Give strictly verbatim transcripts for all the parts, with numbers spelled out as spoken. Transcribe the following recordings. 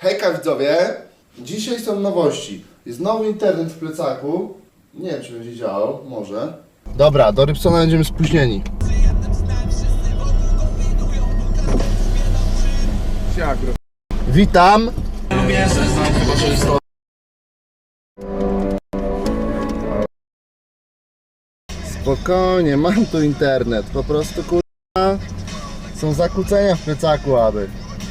Hejka widzowie, dzisiaj są nowości. Jest nowy internet w plecaku. Nie wiem, czy będzie działał, może. Dobra, do Rybsona będziemy spóźnieni. Witam. Spokojnie, mam tu internet. Po prostu kurwa są zakłócenia w plecaku, aby.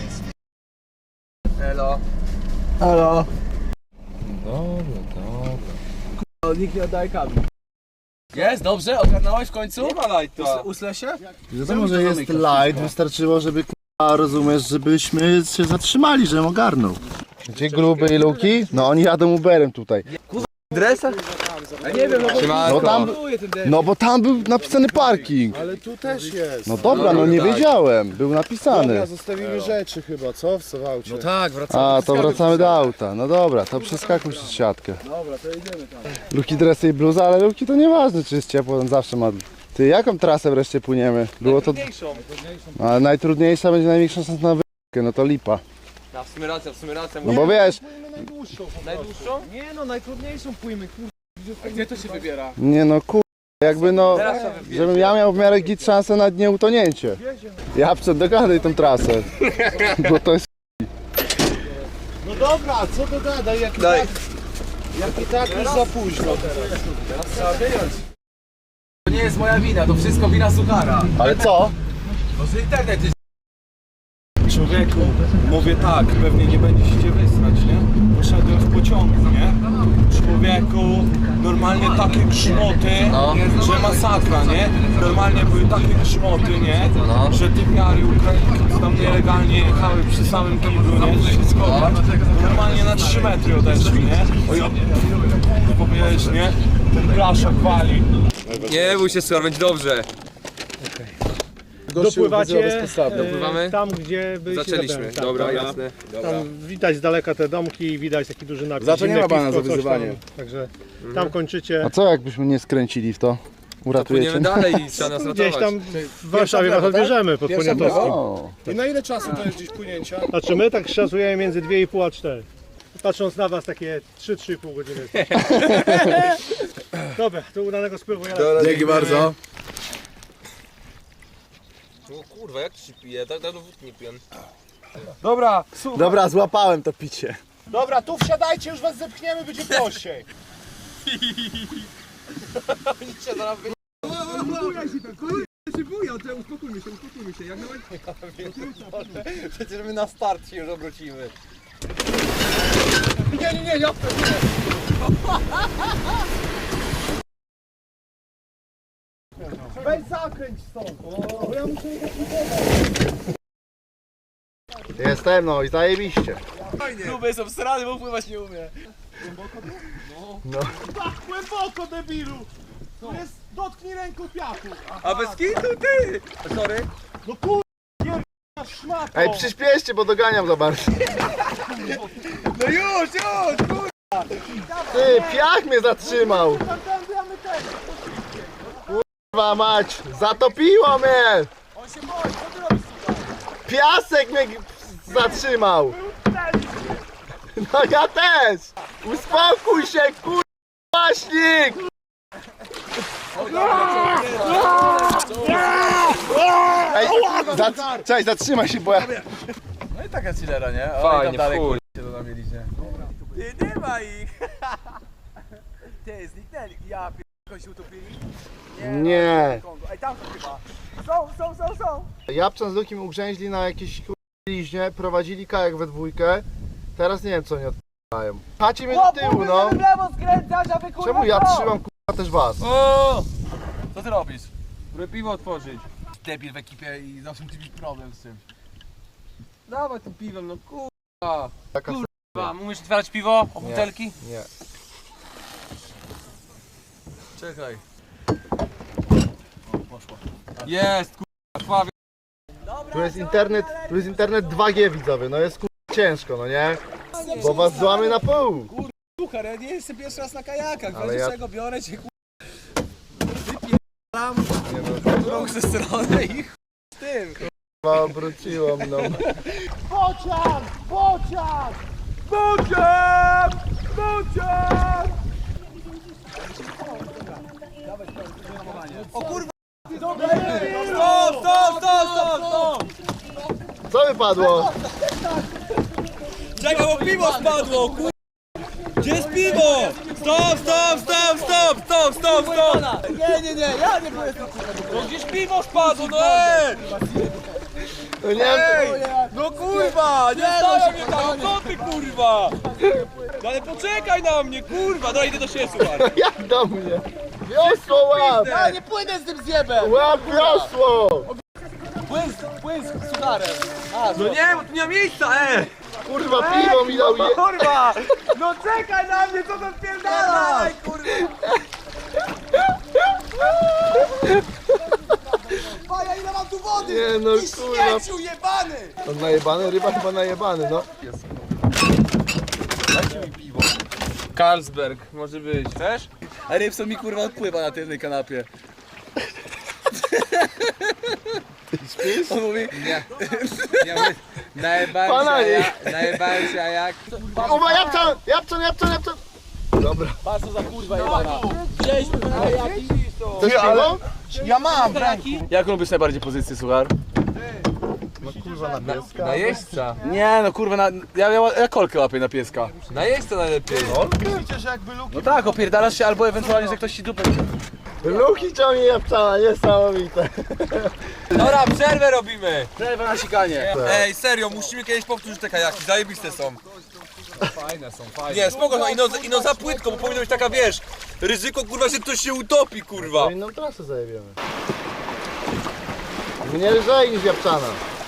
Elo. Halo. Dobra, dobra. O, nikt nie oddaje kabli. Jest, dobrze? Ogarnąłeś w końcu? Nie ma lighta. Uslę się? Wiadomo, że jest light, wystarczyło, żeby k***a, rozumiesz, żebyśmy się zatrzymali, żebym ogarnął. Gdzie gruby i Luki? No oni jadą Uberem tutaj. Dresach? Ja nie wiem, no bo... No tam, no bo tam był napisany parking. Ale tu też jest. No dobra, no nie wiedziałem, był napisany. Dobra, zostawimy rzeczy chyba, co? W Sowałcie. No tak, wracamy. A, to wracamy do auta. No dobra, to przeskakuj przez siatkę. Dobra, to idziemy tam. Luki dresy i bluza, ale Luki to nieważne, czy jest ciepło, on zawsze ma... Ty, jaką trasę wreszcie płyniemy? Było to... Ale najtrudniejsza będzie największa szansa na wy***kę, no to lipa. Ja, w sumie racja, w sumie racja. No bo wiesz, Najdłuższą. Najdłuższą? Nie no, najtrudniejszą pójmy, kurde. A gdzie to się wybiera? nie no kur... jakby no... Teraz trzeba wybierać. Żebym ja miał w miarę git szansę na nieutonięcie. Ja przed dogadaj tą trasę. Bo to jest... No dobra, co to gada, jak i Daj. tak... Jak i tak już za późno teraz. Teraz trzeba wyjąć. To nie jest moja wina, to wszystko wina suchara. Ale co? No, że internet jest... Człowieku, mówię tak, pewnie nie będzie się cię wysrać, nie? Poszedłem w pociągu, nie? Człowieku, normalnie takie grzmoty, No. że masakra, nie? Normalnie były takie grzmoty, nie? No. Że typiary Ukraińcy tam nielegalnie jechały przy samym kiblu, nie? Wszystko, normalnie na trzy metry odeszli, nie? O ja, powiesz, nie? Ten blaszak wali. Nie bój się, suchar, będzie dobrze. Dopływacie Dopływamy? e, tam, gdzie byliście Zaczęliśmy, zatem. Tak, dobra, dobra. jasne. Tam widać z daleka te domki, widać taki duży napis. Za to nie zimne ma bana piwko, za coś wyzywanie. Tam, także tam kończycie. A co jakbyśmy nie skręcili w to? Uratujecie? Płyniemy dalej i trzeba nas Gdzieś ratować. tam w Warszawie was odbierzemy pod Pierwsza Poniatowskim. O, I na ile czasu to jest gdzieś płynięcia? Znaczy my tak szacujemy między dwie i pół a cztery. Patrząc na was takie trzy trzy i pół godziny. Dobra, to udanego spływu. Ja Dzięki bardzo. O kurwa, jak to się pije? Tak dawno wódki nie piję. Dobra, dobra, złapałem to picie. dobra, tu wsiadajcie, już was zepchniemy, będzie prościej. Przecież my na start się już obrócimy. Nie, nie, nie, ja Weź zakręć stąd. Bo ja muszę Jestem, no i zajebiście. Gruby jest obsrany, bo pływać nie umie. tak głęboko, debilu. To jest, dotknij ręką piachu. A bez kitu ty! Sorry. No kur... na szmato. Ej, przyspieszcie, bo doganiam za bardzo. No już, już! Kur... Ty, piach mnie zatrzymał. Tamtędy, a my też. Kurwa mać, zatopiło mnie. On się boi, co ty robisz tutaj? Piasek mnie zatrzymał. No ja też. Uspokój się, kurwa, maśnik. Ej, za, cześć, zatrzymaj się, bo ja... No i taka chillera, nie? Fajnie, dalej chuj. się to mieliście. Ty, nie ma ich! Ty, zniknęli. Ja pierdolę, się utopili? Nie. Kongo. Ej, tam są chyba. Są, są, są, są. Japczan z Lukim ugrzęźli na jakiejś kurwa liźnie, prowadzili kajak we dwójkę. Teraz nie wiem, co oni odpalają. Patrzcie mnie do tyłu, no. w lewo skręcać, a wy kurwa Czemu ja trzymam kurwa też was? O! Co ty robisz? Próbuję piwo otworzyć. Debil w ekipie i zawsze musi być problem z tym. Dawaj tym piwem, no kurwa. Taka Kurwa, umiesz otwierać piwo? O butelki? Nie. Czekaj. O, poszło. Jest, kurwa, krwawie. Tu jest internet, tu jest internet dwa G widzowie, no jest kurwa ciężko, no nie? Bo was złamy na pół. Słuchaj, ja nie jestem pierwszy raz na kajakach, Ale ja- czego biorę cię, kurwa, wypierdalam drugą ze strony i chuj z tym. Obróciło mną. Bocian! Bocian! Bocian! Bocian! O kurwa! Stop, stop, stop, stop, stop! Co wypadło? Czekaj, bo piwo spadło, kur... Gdzie jest piwo? Stop, stop, stop, stop, stop, stop, stop! Nie, nie, nie, ja nie byłem No gdzieś piwo spadło, no ej! No nie Ej! No kurwa! Nie stawia mnie tam, co ty kurwa? No ale poczekaj na mnie, kurwa! Dobra, idę do siebie, słuchaj. Jak do mnie? Wiosło łap! Ja nie płynę z tym zjebem! Łap wiosło! Płyn, płyn z sucharem. No nie, bo tu nie ma miejsca, ej! Kurwa piwo mi dał je... Kurwa! No czekaj na mnie, co to wpierdala? Kurwa! Paja, ile mam tu wody? Nie no Ty kurwa. śmieciu jebany! On najebany? Ryba chyba najebany, no. Carlsberg, może być, chcesz? A Rybson mi kurwa odpływa na tylnej kanapie. Ty śpisz? On mówi... Nie. Nie mówię, najebałem Pana się, a nie. jak... Najebałem się, a jak... Uwa, Japczan! Japczan, Japczan, Japczan! Dobra. Patrz co za kurwa jebana. Wzięliśmy na jaki? Też piwo? Ja mam, jaką lubisz najbardziej pozycję, słuchar? No kurwa na pieska. Na jeźdźca. Nie no kurwa, na, ja, ja, ja kolkę łapię na pieska. Na jeźdźca najlepiej. Widzicie, że jakby luki... No tak, opierdalasz się albo ewentualnie, że ktoś ci dupę... Luki ciągnie Japczana, niesamowite. Dobra, przerwę robimy. Przerwę na sikanie. Ej, serio, musimy kiedyś powtórzyć te kajaki, zajebiste są. Fajne są, fajne. Nie, spoko, no, ino, ino za płytko, bo powinno być taka, wiesz, ryzyko kurwa, że ktoś się utopi, kurwa. To inną trasę zajebiemy. Mnie lżej niż Japczana.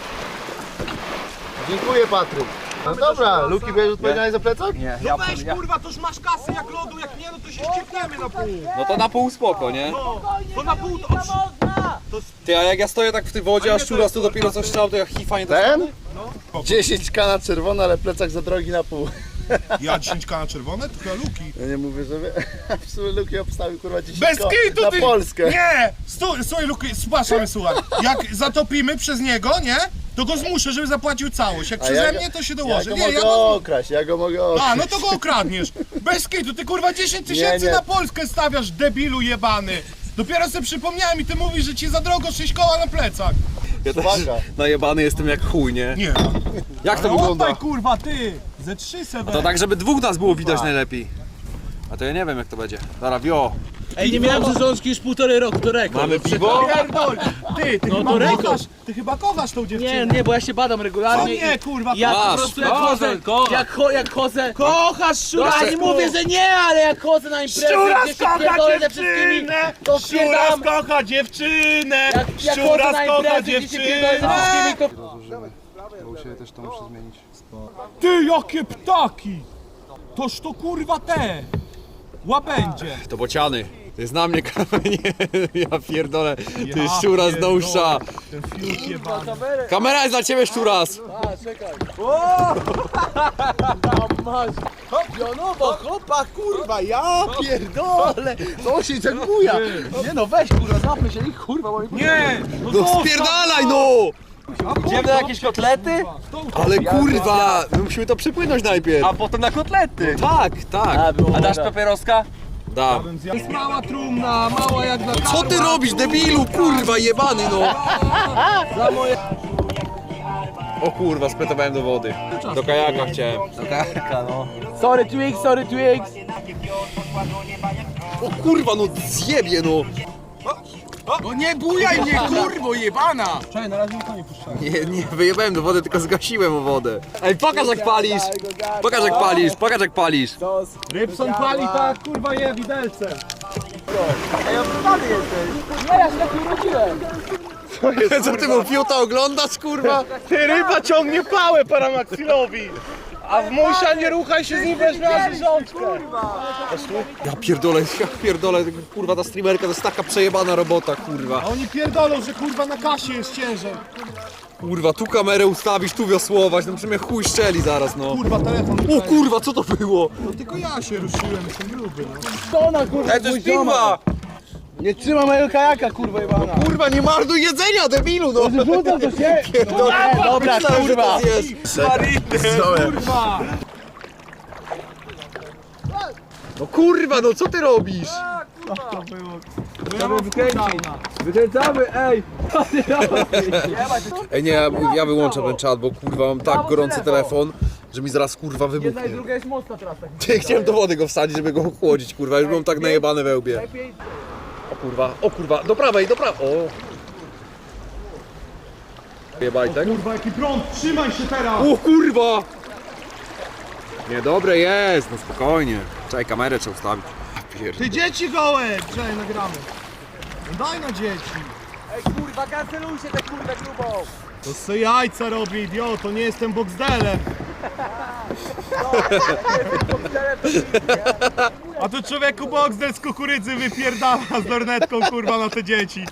Dziękuję Patryk. No dobra, Luki będziesz odpowiedzialny za plecak? Nie, No weź kurwa, toż masz kasy jak lodu, jak nie no to się ściepniemy na pół. No to na pół spoko, nie? No, to na pół to... Ty, a jak ja stoję tak w tej wodzie, a szczuras tu dopiero coś strzał, to ja hifa nie Ten? dziesięć ka na czerwono, ale plecak za drogi na pół. Ja dziesięć ka na czerwone? To chyba Luki. Ja nie mówię, żeby... W sumie Luki obstawił kurwa dziesięć Bez ko kitu na ty! Polskę. Nie! Stój, słuchaj Luki, słuchaj, słuchaj. Jak zatopimy przez niego, nie? To go zmuszę, żeby zapłacił całość. Jak A przeze ja go- mnie, to się Ja dołoży. go Nie, mogę ja go... okraść, ja go mogę okraść. A, no to go okradniesz. Bez kitu, ty kurwa dziesięć tysięcy Nie, nie. na Polskę stawiasz, debilu jebany. Dopiero sobie przypomniałem i ty mówisz, że ci za drogo sześć koła na plecach. Uwaga. najebany jestem jak chuj, nie? Nie. Jak to No wygląda? oddaj kurwa, ty! Ze trzy se To tak, żeby dwóch nas było widać najlepiej. A to ja nie wiem jak to będzie. Dobra, wio. Ej, nie miałem rzeżączki już półtorej roku, to rekord. Mamy piwo? Pierdol! Ty, ty No chyba to rekord. kochasz, ty chyba kochasz tą dziewczynę. Nie, nie, bo ja się badam O regularnie. nie, kurwa, Ja po Masz, prostu jak kocham, chodzę, kocham. jak, cho, jak chodzę... Kochasz No, ja nie mówię, że nie, ale jak chodzę na imprezę, Szczuras gdzie się kocha pierdolę ze wszystkimi, dziewczynę! to Szczuras wpierdam. kocha dziewczynę! Jak, jak chodzę Szczuras na kocha imprezę, gdzie się pierdolę ze dziewczynę! wszystkimi, to... Bo u siebie też to muszę zmienić. Ty, jakie ptaki! Toż to kurwa te! Łabędzie! To bociany. To jest na mnie kamienie. Ja pierdolę. Ty Ja szczura z pierdolę. nousza. Ten fiut jebany. Kamera jest dla ciebie szczuras. Pionowo, chłopak, kurwa, ja pierdolę, to się dziękuję. Nie no, weź kurwa, zapnę się i kurwa, bo mi... Nie! No, No zostaw spierdalaj no! Idziemy na jakieś kotlety? Ale kurwa, my musimy to przypłynąć najpierw. A potem na kotlety. Tak, tak. A dasz papieroska? Da. Jest mała trumna, mała jak na Co ty robisz, debilu, kurwa, jebany no! O kurwa, spytowałem do wody. Do kajaka chciałem. Do karka, no. Sorry Twix, sorry Twix. O kurwa, no zjebie no! No nie bujaj mnie, kurwo jebana! Nie, nie wyjebałem do wody, tylko zgasiłem o wodę. Ej, pokaż jak palisz! Pokaż jak palisz, pokaż jak palisz! Rybson pali tak, kurwa je widelce. Ej, obrywany jesteś. Nie, ja się tak nie urodziłem. Co ty mu fiuta oglądasz, kurwa? Ty, ryba ciągnie pałę paramaxilowi. A w musia nie ruchaj się z nim, weź na rzeżączkę. Ja pierdolę, ja pierdolę, kurwa ta streamerka to jest taka przejebana robota, kurwa. A oni pierdolą, że kurwa na kasie jest ciężej. Kurwa, tu kamerę ustawić, tu wiosłować, no przy mnie chuj szczeli zaraz, no. Kurwa, telefon. O kurwa, co to było? No tylko ja się ruszyłem, jestem gruby, no. To na kurwa, Ej, to jest piwa! Nie trzyma mojego kajaka, kurwa jebana. Kurwa, nie marnuj jedzenia, debilu, no! Rzucam to się! Dobra, dobra, kurwa! Kurwa! No kurwa, no co ty robisz? Wykręcamy, ej! Ej nie, ja, ja wyłączam ten czat, bo kurwa mam tak gorący telefon, że mi zaraz kurwa wybuchnie. Druga jest mocna teraz tak. Ty, chciałem do wody go wsadzić, żeby go ochłodzić, kurwa, już mam tak najebane we łbie. O kurwa, o kurwa, do prawej, do prawej, o! Jebaj, tak? Kurwa, jaki prąd, trzymaj się teraz! O kurwa! Niedobre jest, no spokojnie. Czekaj, kamerę trzeba ustawić. Pierd... Ty dzieci gołe! Czekaj, nagramy. Daj na dzieci. Ej kurwa, kancelujcie tę kurwę grubą! To se jajca robi, idiot, to nie jestem boxdelem. A tu człowieku boxdel z kukurydzy wypierdala z lornetką, kurwa, na te dzieci.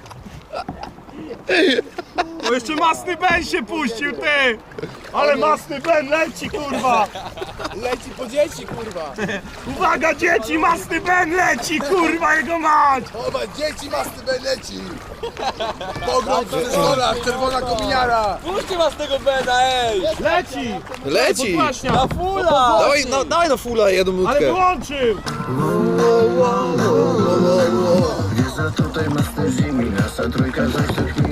O, jeszcze masny Ben się puścił, ty! Ale masny Ben leci, kurwa! Leci po dzieci, kurwa! Uwaga, dzieci, masny Ben leci, kurwa, jego mać! Oba, dzieci masny leci! Pogrom w przedszkolach, czerwona kominiara! Puśćcie was tego Bena, ej! Leci! Leci! Podłaśnia! Na fula! Dawaj, no, dawaj na fula jedną Ale minutkę. wyłączył! Wjeżdża tutaj master zimi, nasza trójka zaślepni.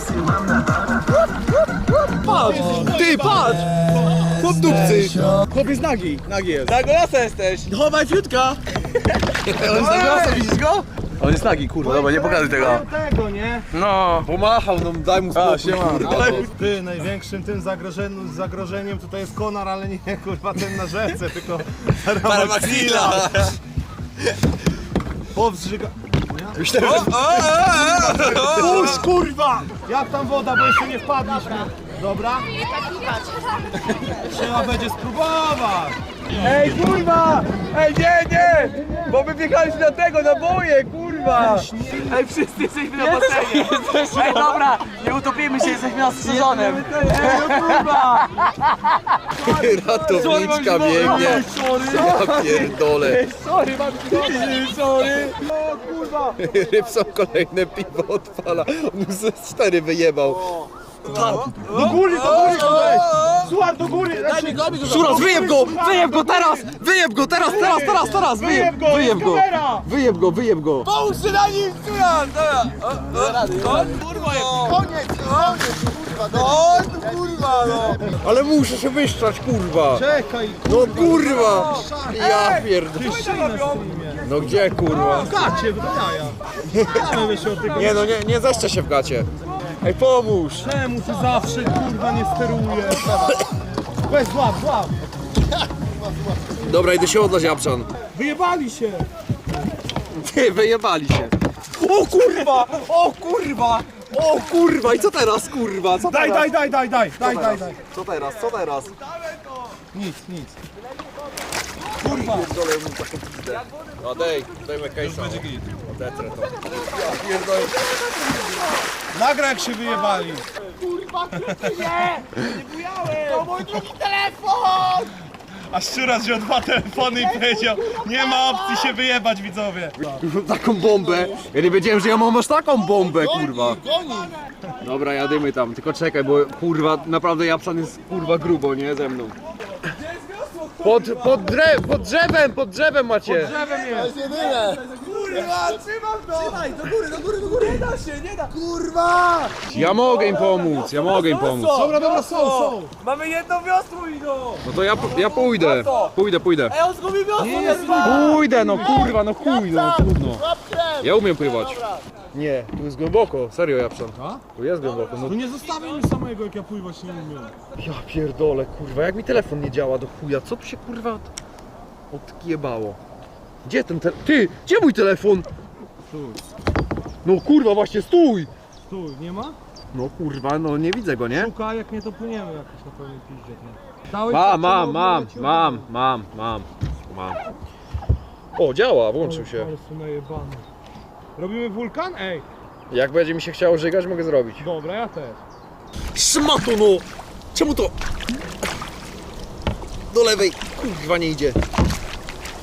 Patrz! Ty, patrz! Chłop dupcy! Chłopiec nagi, nagi jest. Na golasa jesteś! Chowaj fiutka! On jest na glasa, widzisz go? On jest nagi, kurwa, dobra, nie pokazuj tego. Tego, nie? No! Pomachał, no daj mu spokój, kurwa. Ty, największym tym zagrożeniem, zagrożeniem tutaj jest konar, ale nie kurwa ten na rzece, tylko Paramaxila. Powstrzyga... Myślałem, że... Puść kurwa! Jak tam woda, bo jeszcze nie wpadliśmy. Dobra? Trzeba będzie spróbować. Ej, kurwa! Ej, nie, nie! Bo my wjechaliśmy na tego, na boje, kurwa! Ej, wszyscy jesteśmy na basenie! Ej, dobra, nie utopimy się, jesteśmy na sezonem! Ej, no kurwa! Ratowniczka biegnie. Ja pierdolę. Sorry, mam ci sorry! O, kurwa! Rybson kolejne piwo odpala. On mu ze cztery wyjebał. Do góry, do góry koleś! Słuchaj, do góry! Daj mi go, mi go! Szuras, wyjeb go! Wyjeb go teraz! Wyjeb go teraz, teraz, teraz, teraz! Wyjeb, go, wyjeb go! kamera! Wyjeb go, wyjeb go! Pomóż się na nim, Szuras! Dobra! Kurwa, koniec, koniec, kurwa! No, kurwa, no! Ale muszę się wyszczać, kurwa! Czekaj, No kurwa! Ja pierdolę. No gdzie, kurwa? gacie, w jaja. Mamy się od tego. Nie no, nie, nie zeszczę się w gacie. Ej, pomóż! Czemu ty zawsze kurwa nie sterujesz? Weź, złap, złap! Dobra, idę się odlać, Japczan. Wyjebali się! Ty, wyjebali się. O kurwa! O kurwa! O kurwa! I co teraz, kurwa? Co Daj, teraz? daj, daj, daj, daj, daj, daj, daj. Co teraz? Co teraz? Nic, nic. Kurwa! No dej, dajmy case'a. Będzie git. Odetrę to. Ja pierdolę. Nagra jak się wyjebali. To mój drugi telefon! A Szczuras wziął dwa telefony i powiedział, nie ma opcji się wyjebać, widzowie. Taką bombę. Ja nie wiedziałem, że ja mam aż taką bombę, kurwa. Dobra, jadymy tam, tylko czekaj, bo kurwa, naprawdę Japczan jest kurwa grubo, nie? Ze mną. Pod, pod, drew, pod drzewem, pod drzewem macie. To jest jedyne! Kurwa, trzymam to! Trzymaj, do góry, do góry, do góry! Nie da się, nie da! Kurwa! Ja mogę im pomóc, ja mogę im pomóc. Dobra, dobra, są, są. Mamy jedno wiosło i no! No to ja, ja pójdę, pójdę, pójdę. Ej, on zgubił wiosło, nie Pójdę, no kurwa, no chuj, no trudno. Ja umiem pływać. Nie, tu jest głęboko, serio Japczan. Tu jest głęboko, no No nie zostawiaj mi samego, jak ja pływać nie umiem. ja pierdolę, kurwa, jak mi telefon nie działa do chuja, co tu się kurwa od... odkiebało? Gdzie ten telefon? Ty, gdzie mój telefon? Stój, No kurwa, właśnie stój! stój, nie ma? No kurwa, no nie widzę go, nie? Szukaj, jak nie to płyniemy jakoś na pełnej piździe. nie? Dałeś Mam, tak, mam, to mam, leci, mam, mam, mam, mam. O, działa, włączył się. Ale są najebane. Robimy wulkan? Ej, Jak będzie mi się chciało żygać, mogę zrobić. dobra, ja też. Szmato no! Czemu to? Do lewej, kurwa nie idzie.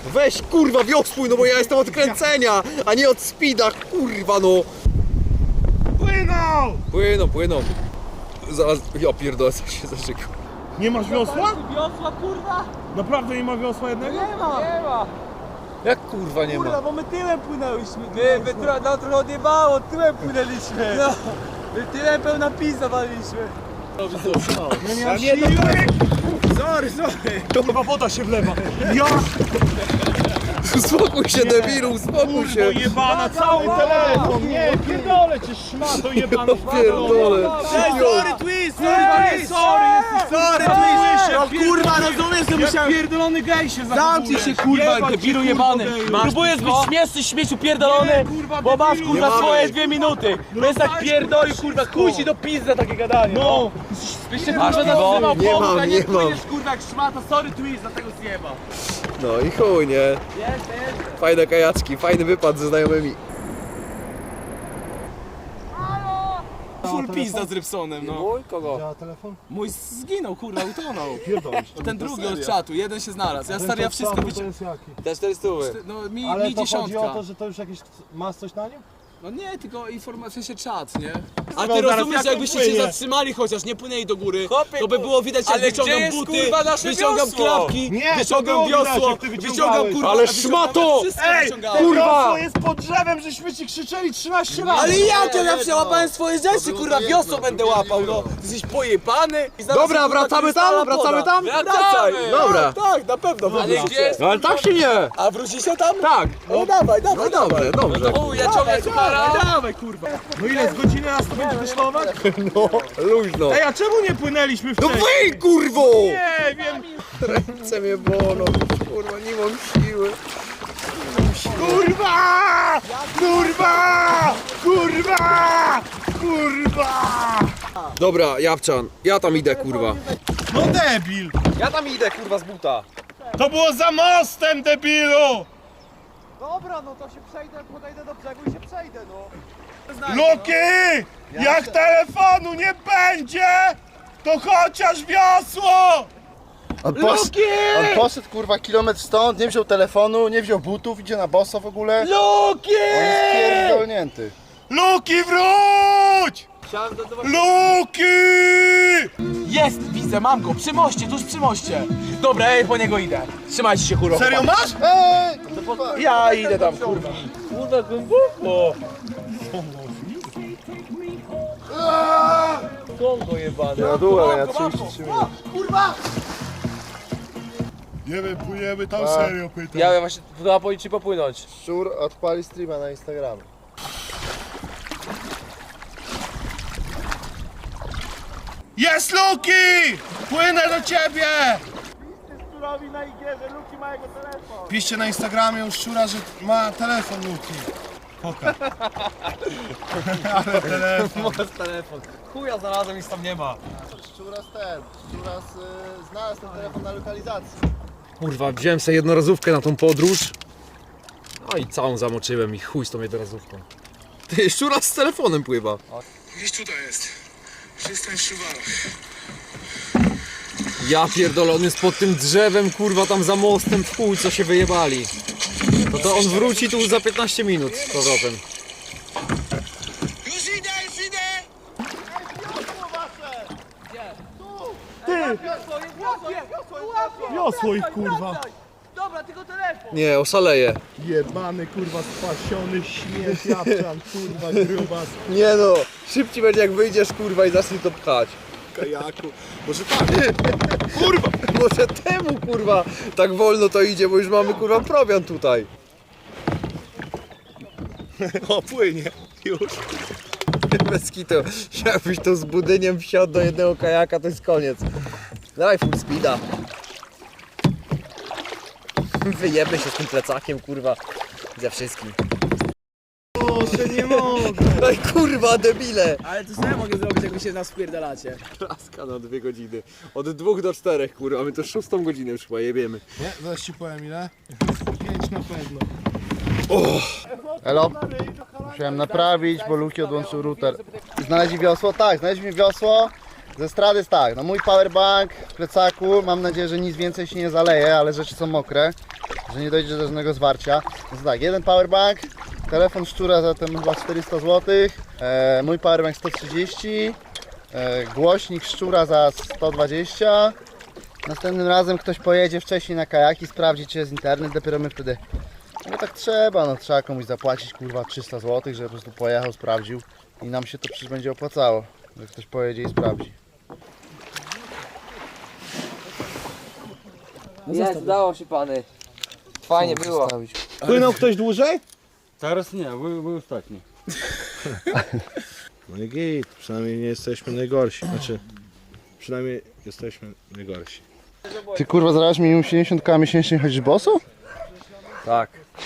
Weź kurwa wiosłuj, no bo ja jestem od kręcenia, a nie od speeda, kurwa no. Płyną! Płyną, płyną. Zaraz, ja pierdolę, co się zaczekał. Nie masz wiosła? Wiosła, kurwa! Naprawdę nie ma wiosła jednego? Nie ma! Nie ma! Jak kurwa nie Kurwa, ma? bo my tyłem płynęliśmy. My, my tro, nam trochę odjebało, tyłem płynęliśmy. No. My tyłem pełna pizza waliliśmy. Ja nie mam siły! Sorry, sorry! Chyba woda się wlewa. Ja! Uspokój się debilu, uspokój Kurwa się. jebana, cały telefon! Nie, pierdolę cię szmato jebana! Pierdolę. Sorry, twist! Sorry, sorry! Sorry, twist! No kurwa, rozumiesz, że musiałem... Pierdolony gej się Zamknij się, kurwa, debilu jebany! Próbujesz być śmieszny, śmieciu pierdolony, bo masz kurwa swoje dwie minuty! To jest tak pierdoli, kurwa, chuj ci do pizza takie gadanie! No! Byście kurwa nazywał Nie pomógł, mam, a nie nie mam. płyniesz kurwa jak szmata, sorry twist, dlatego zjeba! No i chuj, nie? Fajne kajaczki, fajny wypad ze znajomymi. Full pizza z Rybsonem, no. Mój? Kogo? Mój zginął, kurwa, utonął. Ten drugi od czatu, jeden się znalazł. Ja stary, ja wszystko wyci... Te cztery stówy. No mi, Ale mi to chodzi dziesiątka. o to, że to już jakieś... Masz coś na nim? No nie, tylko informacja się czat, nie? A No ty zaraz, rozumiesz, jak on jakbyście się płynie? zatrzymali chociaż, nie płynęli do góry, Chłopie, to by było widać jak ale gdzie wyciągam jest, buty, kurwa, nasze wyciągam wiosło? klapki, Nie, to wyciągam było widać, wiosło, jak ty wyciągam wyciągałeś. kurwa, Ale wyciągam szmato! wszystko Ej, wyciągałem. kurwa! jest pod drzewem, żeśmy ci krzyczeli trzynaście razy! Ale jak ja przełapałem swoje rzeczy, kurwa, wiosło będę łapał, no. Ty jesteś pojebany. I zaraz, Dobra, kurwa, wracamy krystala tam? Wracamy poda. tam? Wracaj! Dobra. Tak, na pewno wrócicie. Ale tak się nie. A wrócicie tam? Tak. No dawaj, dawaj, No dobrze, dobrze. Chuj, ja ciągnę suchara. Dawaj, kurwa. No ile, z godziny nas to będzie wyszlować? No, luźno. Ej, a czemu nie płynęliśmy No wcześniej? wyj, kurwo! Nie wiem! Ręce mnie bolą, kurwa, nie mam siły. Kurwa! Kurwa! Kurwa! Kurwa! Dobra, Jawczan, ja tam idę, kurwa. No debil! Ja tam idę, kurwa, z buta. To było za mostem, debilu! Dobra, no to się przejdę, podejdę do brzegu i się przejdę, no. Luki! Jak telefonu nie będzie, to chociaż wiosło! On, posz... on poszedł kurwa kilometr stąd, nie wziął telefonu, nie wziął butów, idzie na boso w ogóle. Luki! On jest pierdolnięty. Luki, wróć! Luki! Jest, widzę, mam go, przy moście, tuż przy moście. Dobra, ej, po niego idę. Trzymajcie się, kurwa. Serio masz? Ej! Ja idę tam, kurwa. Kurwa, głęboko. Kongo jebane. Na dół, ale ja trzydzieści trzy minuty. Nie wiem, płyniemy tam serio, pytam. Ja właśnie chyba policzy popłynąć. Szczur odpali streama na Instagramie. Jest Luki! Płynę do ciebie! Piszcie na Instagramie u Szczura, że ma telefon Luki. Poka. Ale telefon. telefon. Chuja znalazłem, nic tam nie ma. Szczuras ten, Szczuras y, znalazł ten telefon na lokalizacji. Kurwa, wziąłem sobie jednorazówkę na tą podróż. No i całą zamoczyłem i chuj z tą jednorazówką. Ty, Szczura z telefonem pływa. Gdzieś tutaj jest. Przystań w Szuwarach. Ja pierdolę, on jest pod tym drzewem, kurwa, tam za mostem, w chuj, co się wyjebali. No to on wróci tu za piętnaście minut z powrotem. Już idę, już idę! Wiosło ich, kurwa. Dobra, tylko telefon. Nie, oszaleję. Jebany, kurwa, spasiony śmiech, Jawczan, kurwa, grubas. Nie no, szybciej będzie jak wyjdziesz, kurwa, i zacznij to pchać. Kajaku. Może tak. Kurwa, może temu, kurwa, tak wolno to idzie, bo już mamy, kurwa, prowiant tutaj. O, płynie. Już. Bez kitu, jakbyś to z budyniem wsiadł do jednego kajaka, to jest koniec. Dawaj full speeda. Wyjebę się z tym plecakiem, kurwa, ze wszystkim. Proszę, nie mogę. Ej, kurwa, debile! Ale to co ja mogę zrobić, jak wy się nas wpierdalacie? Laska na dwie godziny. Od dwóch do czterech, kurwa, my to szóstą godzinę już chyba jebiemy. Nie, zaraz ci powiem ile. Pięć na pewno. Elo? Musiałem naprawić, bo Luki odłączył router. Znaleźli wiosło? Tak, znaleźliśmy wiosło. Ze strady jest tak, no mój powerbank w plecaku, mam nadzieję, że nic więcej się nie zaleje, ale rzeczy są mokre. że nie dojdzie do żadnego zwarcia. Więc tak, jeden powerbank, telefon szczura za ten chyba czterysta złotych, e, mój powerbank sto trzydzieści, e, głośnik szczura za sto dwadzieścia. Następnym razem ktoś pojedzie wcześniej na kajaki, sprawdzi czy jest internet, dopiero my wtedy... No tak trzeba, no trzeba komuś zapłacić kurwa trzysta złotych, żeby po prostu pojechał, sprawdził i nam się to przecież będzie opłacało, że ktoś pojedzie i sprawdzi. Jest, udało się pany. Fajnie było. Płynął ktoś dłużej? Teraz nie, był, był ostatni. No i git, przynajmniej nie jesteśmy najgorsi. Znaczy, przynajmniej jesteśmy najgorsi. Ty kurwa zarabiasz minimum siedemdziesiąt koła miesięcznie, chodzisz boso? Tak.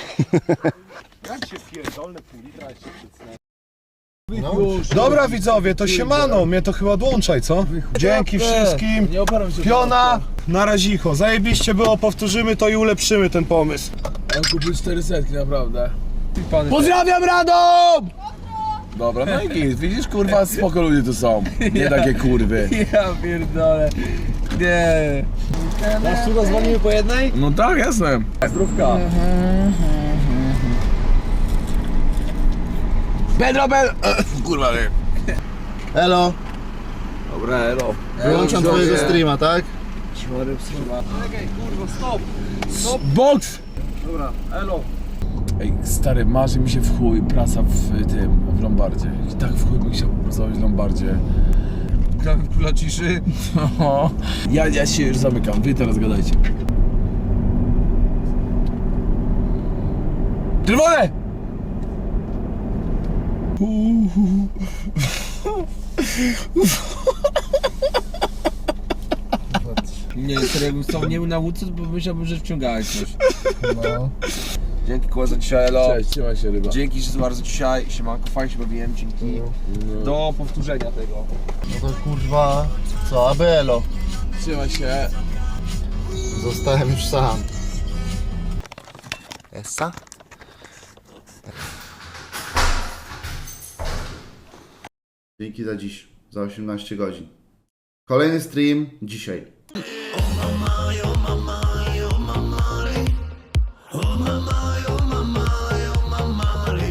Dobra widzowie, to siemano, mnie to chyba odłączaj, co? Dzięki wszystkim. Nie oparam się. Piona, na razicho. Zajebiście było, powtórzymy to i ulepszymy ten pomysł. On kupił cztery setki, naprawdę. Pozdrawiam Radom! Dobra, no i git. Widzisz, kurwa, spoko ludzie tu są. Nie takie kurwy. Ja pierdolę. Nie. Masz tu dzwonimy po jednej? No tak, jasne. Zdrówka. Pedro, Pedro! Kurwa, nie. Elo, Dobra, elo. wyłączam twojego streama, tak? Box! Dobra, elo. Ej, stary, marzy mi się w chuj praca w tym, w Lombardzie. I tak w chuj bym chciał pracować w Lombardzie. Gramy w króla ciszy. No. Ja, ja się już zamykam, wy teraz gadajcie. Czerwone! Nie, serio, jakbym stał nie był na łódce, to myślałbym, że wciągałeś coś. No. Dzięki kurwa za dzisiaj, elo. Cześć, trzymaj się ryba. Dzięki że bardzo dzisiaj, siemanko, fajnie się bawiłem, dzięki. Do powtórzenia tego. No to kurwa, co, aby elo. Trzymaj się. Zostałem już sam. Essa? Dzięki za dziś, za osiemnaście godzin. Kolejny stream dzisiaj.